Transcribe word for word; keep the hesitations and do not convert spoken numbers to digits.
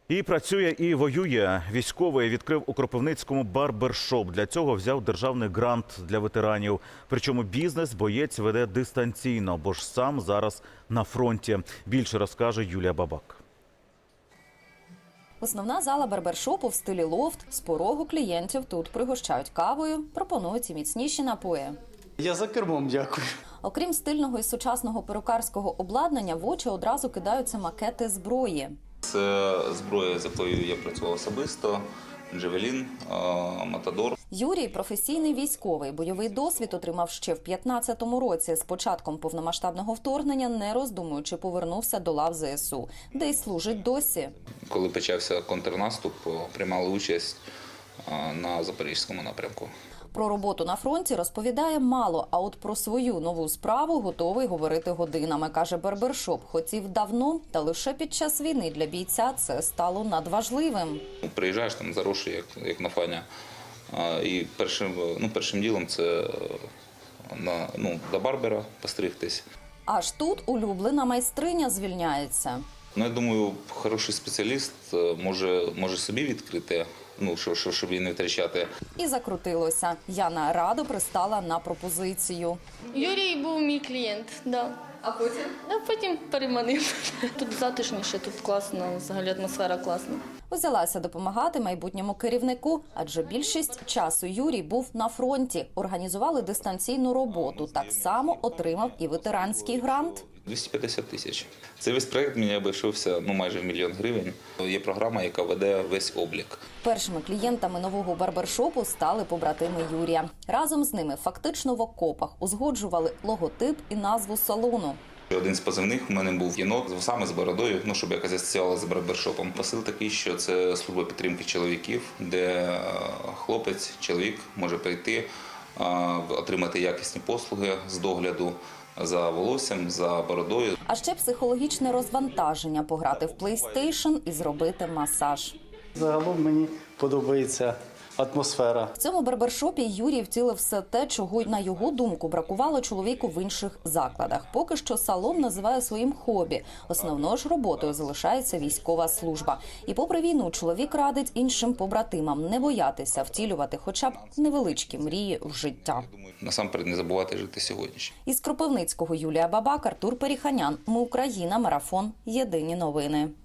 І працює, і воює. Військовий відкрив у Кропивницькому барбершоп. Для цього взяв державний грант для ветеранів. Причому бізнес боєць веде дистанційно, бо ж сам зараз на фронті. Більше розкаже Юлія Бабак. Основна зала барбершопу в стилі лофт. З порогу клієнтів тут пригощають кавою, пропонують і міцніші напої. Я за кермом, дякую. Окрім стильного і сучасного перукарського обладнання, в очі одразу кидаються макети зброї. Це зброя, з якою я працював особисто, Джавелін, Матадор. Юрій – професійний військовий. Бойовий досвід отримав ще в п'ятнадцятому році. З початком повномасштабного вторгнення, не роздумуючи, повернувся до лав зе ес у, де й служить досі. Коли почався контрнаступ, приймали участь на Запорізькому напрямку. Про роботу на фронті розповідає мало, а от про свою нову справу готовий говорити годинами, каже барбершоп. Хотів давно, та лише під час війни для бійця це стало надважливим. Приїжджаєш там заросший, як, як на фані, і першим, ну, першим ділом це на, ну, до барбера постригтись. Аж тут улюблена майстриня звільняється. Ну, я думаю, хороший спеціаліст може, може собі відкрити, ну, щоб, щоб її не втрачати. І закрутилося. Яна радо пристала на пропозицію. Юрій був мій клієнт, да. А потім? А потім переманив. Тут затишніше, тут класно, взагалі атмосфера класна. Взялася допомагати майбутньому керівнику, адже більшість часу Юрій був на фронті. Організували дистанційну роботу. Так само отримав і ветеранський грант. двісті п'ятдесят тисяч. Цей весь проєкт мені обійшовся ну, майже в мільйон гривень. Є програма, яка веде весь облік. Першими клієнтами нового барбершопу стали побратими Юрія. Разом з ними фактично в окопах узгоджували логотип і назву салону. Один з позивних у мене був єнот з вусами, з бородою, ну, щоб якось асоціювала з барбершопом. Посил такий, що це служба підтримки чоловіків, де хлопець, чоловік може прийти, отримати якісні послуги з догляду за волоссям, за бородою. А ще психологічне розвантаження – пограти в PlayStation і зробити масаж. Загалом мені подобається атмосфера. В цьому барбершопі Юрій втілив все те, чого, на його думку, бракувало чоловіку в інших закладах. Поки що салон називає своїм хобі. Основною ж роботою залишається військова служба. І попри війну чоловік радить іншим побратимам не боятися втілювати хоча б невеличкі мрії в життя. Насамперед не забувати жити сьогоднішнім. Із Кропивницького Юлія Бабак, Артур Періханян. Ми Україна. Марафон. Єдині новини.